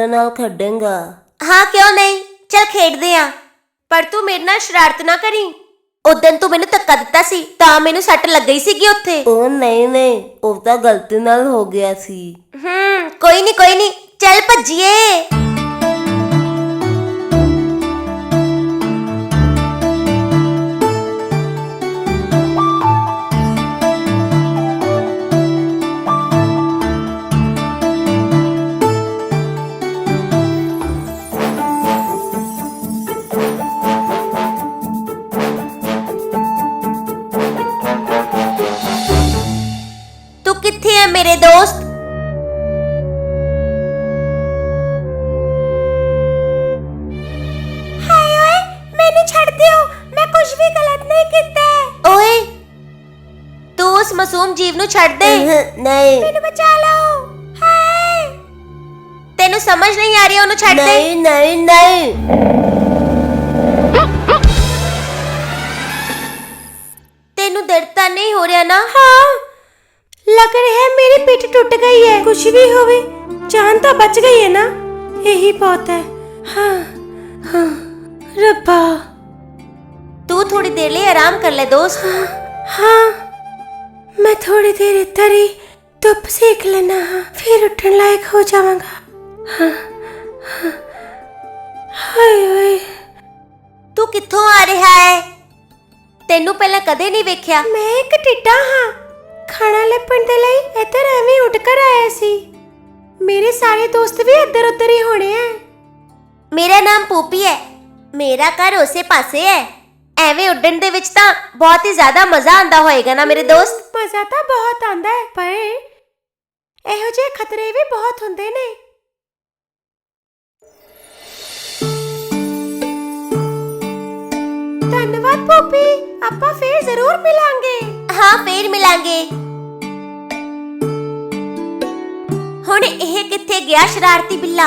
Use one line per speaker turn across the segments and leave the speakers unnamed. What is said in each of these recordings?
मेरे नाल खेडेंगा?
हाँ क्यों नहीं, चल खेडदे आ। पर तू मेरे नाल शरारत ना करी। उदन तू मैनू धक्का दिता सी तां मैनू सट लग गई सीगी उत्थे।
ओ नहीं वो तो गलती नाल हो गया सी।
कोई नहीं चल भज्जिए। तू किथे है मेरे दोस्त? हाय ओए मैनू छड़ दियो, मैं कुछ भी गलत नहीं कीता है। ओए तू उस मासूम जीव नू छड़ दे।
नहीं
मैनू बचा लो। हाय तेनू समझ नहीं आ रही, ओनू छड़ दे।
नहीं
तेनू दर्द तां नहीं हो रहा ना? हाँ लग रहा है मेरी पीठ टूट गई है।
कुछ भी होवे जान तो बच गई है ना, यही बहुत है। हाँ हाँ रब्बा।
तू थोड़ी देर लिए आराम कर ले दोस्त।
हाँ मैं थोड़ी देर इधर ही धुप सेक लेना, हाँ फिर उठने लायक हो जाऊंगा। हाँ हाँ हाय ओए
तू कित्थों आ रहा है? तेनू पहले कदे नहीं वेख्या।
मैं एक टिड्डा हाँ, खाना लपण दे लई इधर एवें उड़ कर आया सी। मेरे सारे दोस्त भी इधर उधर ही होने हैं।
मेरा नाम पूपी है, मेरा घर उसे पासे है। एवें उड़न दे विच तां बहुत ही ज्यादा मजा आंदा होएगा ना मेरे दोस्त?
मजा तो बहुत आंदा है, पर एहो जे खतरे भी बहुत हुंदे ने। धन्यवाद पूपी, आपां फिर जरूर मिलांगे।
हाँ फिर मिलांगे। हुण एह कित्थे गया शरारती बिल्ला?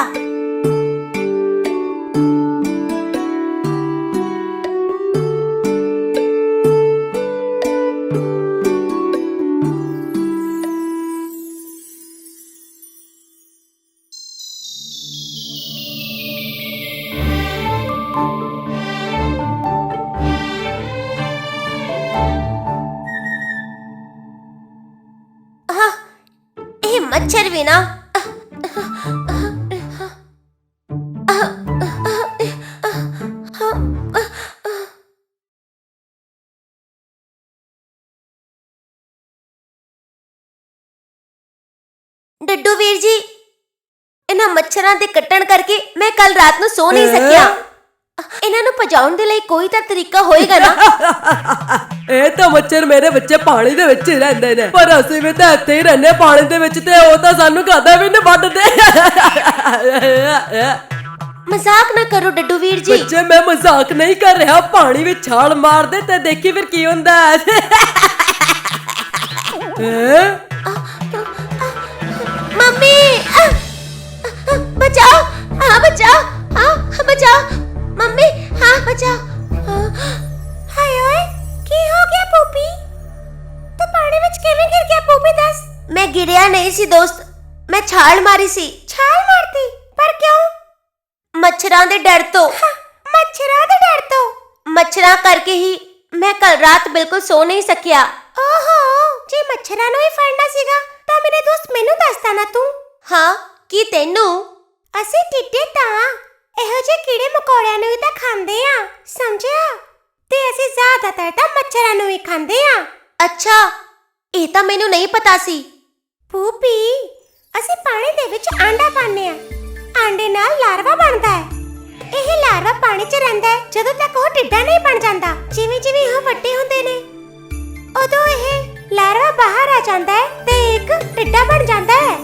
मच्छर भी ना डड्डू वीर जी, इन्हां मच्छरां दे कट्टण करके मैं कल रात नूं सो नहीं सकिया। इन्हां नूं भजाउण दे लई कोई तां तरीका होएगा ना?
ਇਹ ਤਾਂ ਮੱਛਰ ਮੇਰੇ ਬੱਚੇ ਪਾਣੀ ਦੇ ਵਿੱਚ ਹੀ ਰਹਿੰਦੇ ਨੇ, ਪਰ ਅਸੀਂ ਵੀ ਤਾਂ ਇੱਥੇ ਹੀ ਰਹਿੰਦੇ ਪਾਣੀ ਦੇ ਵਿੱਚ, ਤੇ ਉਹ ਤਾਂ ਸਾਨੂੰ ਕਦੇ ਵੀ ਨਹੀਂ ਵੱਢਦੇ।
मजाक ना करो डड्डू वीर जी।
ਬੱਚੇ ਮੈਂ ਮਜ਼ਾਕ ਨਹੀਂ ਕਰ ਰਿਹਾ, ਪਾਣੀ ਵਿੱਚ ਛਾਲ ਮਾਰ ਦੇ ਤੇ ਦੇਖੀ ਫਿਰ ਕੀ ਹੁੰਦਾ ਹੈ।
मम्मी बचाओ, हाँ बचाओ, हाँ बचाओ मम्मी, हाँ बचाओ।
हाय ओए की हो गया पूपी? तू पानी विच किवें गिर गया पूपी दस?
मैं गिरिया नहीं सी दोस्त, मैं छाल मारी सी।
छाल मारती? पर क्यों?
मच्छरां दे डर तो।
मच्छरां दे डर तो?
मच्छरां करके ही मैं कल रात बिल्कुल सो नहीं सकिया।
ओहो जे मच्छरां नूं ही फड़ना सीगा तां मेरे दोस्त मैनू दसदा ना तू।
हाँ की तेनू?
ਅਸੀਂ ਟਿੱਡੇ ਤਾਂ ਇਹੋ ਜਿਹੇ ਕੀੜੇ ਮਕੌੜਿਆਂ ਨੂੰ ਹੀ ਤਾਂ ਖਾਂਦੇ ਆ, ਸਮਝਿਆ? ਤੇ ਅਸੀਂ ਜ਼ਿਆਦਾਤਰ ਤਾਂ ਮੱਛਰਾਂ ਨੂੰ ਹੀ ਖਾਂਦੇ ਆ।
ਅੱਛਾ ਇਹ ਤਾਂ ਮੈਨੂੰ ਨਹੀਂ ਪਤਾ ਸੀ।
ਪੂਪੀ ਅਸੀਂ ਪਾਣੀ ਦੇ ਵਿੱਚ ਆਂਡਾ ਪਾਉਂਦੇ ਆ, ਆਂਡੇ ਨਾਲ ਲਾਰਵਾ ਬਣਦਾ ਹੈ। ਇਹ ਲਾਰਵਾ ਪਾਣੀ 'ਚ ਰਹਿੰਦਾ ਹੈ ਜਦੋਂ ਤੱਕ ਉਹ ਟਿੱਡਾ ਨਹੀਂ ਬਣ ਜਾਂਦਾ। ਜਿਵੇਂ ਜਿਵੇਂ ਉਹ ਵੱਡੇ ਹੁੰਦੇ ਨੇ ਉਦੋਂ ਇਹ ਲਾਰਵਾ ਬਾਹਰ ਆ ਜਾਂਦਾ ਹੈ ਤੇ ਇੱਕ ਟਿੱਡਾ ਬਣ ਜਾਂਦਾ ਹੈ।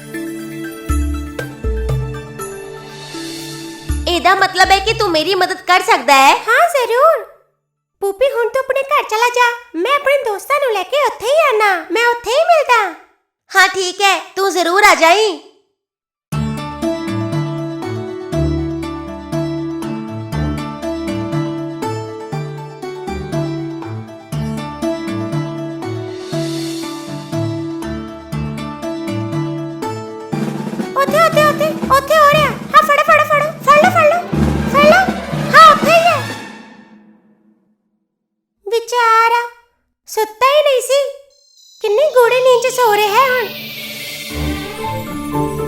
ਇਹਦਾ ਮਤਲਬ ਹੈ ਕਿ ਤੂੰ ਮੇਰੀ ਮਦਦ ਕਰ ਸਕਦਾ ਹੈ?
हाँ जरूर पूपी, हुण तू अपने घर चला जा, मैं अपने दोस्तां नूं लेके उत्थे ही आना, मैं उत्थे ही मिलदा।
हाँ ठीक है, तू जरूर आ जाई।
ओथे ओथे ओथे ओथे हो रहा ਨੀਂਦ 'ਚ ਸੋ ਰਿਹਾ ਹੈ ਹੁਣ।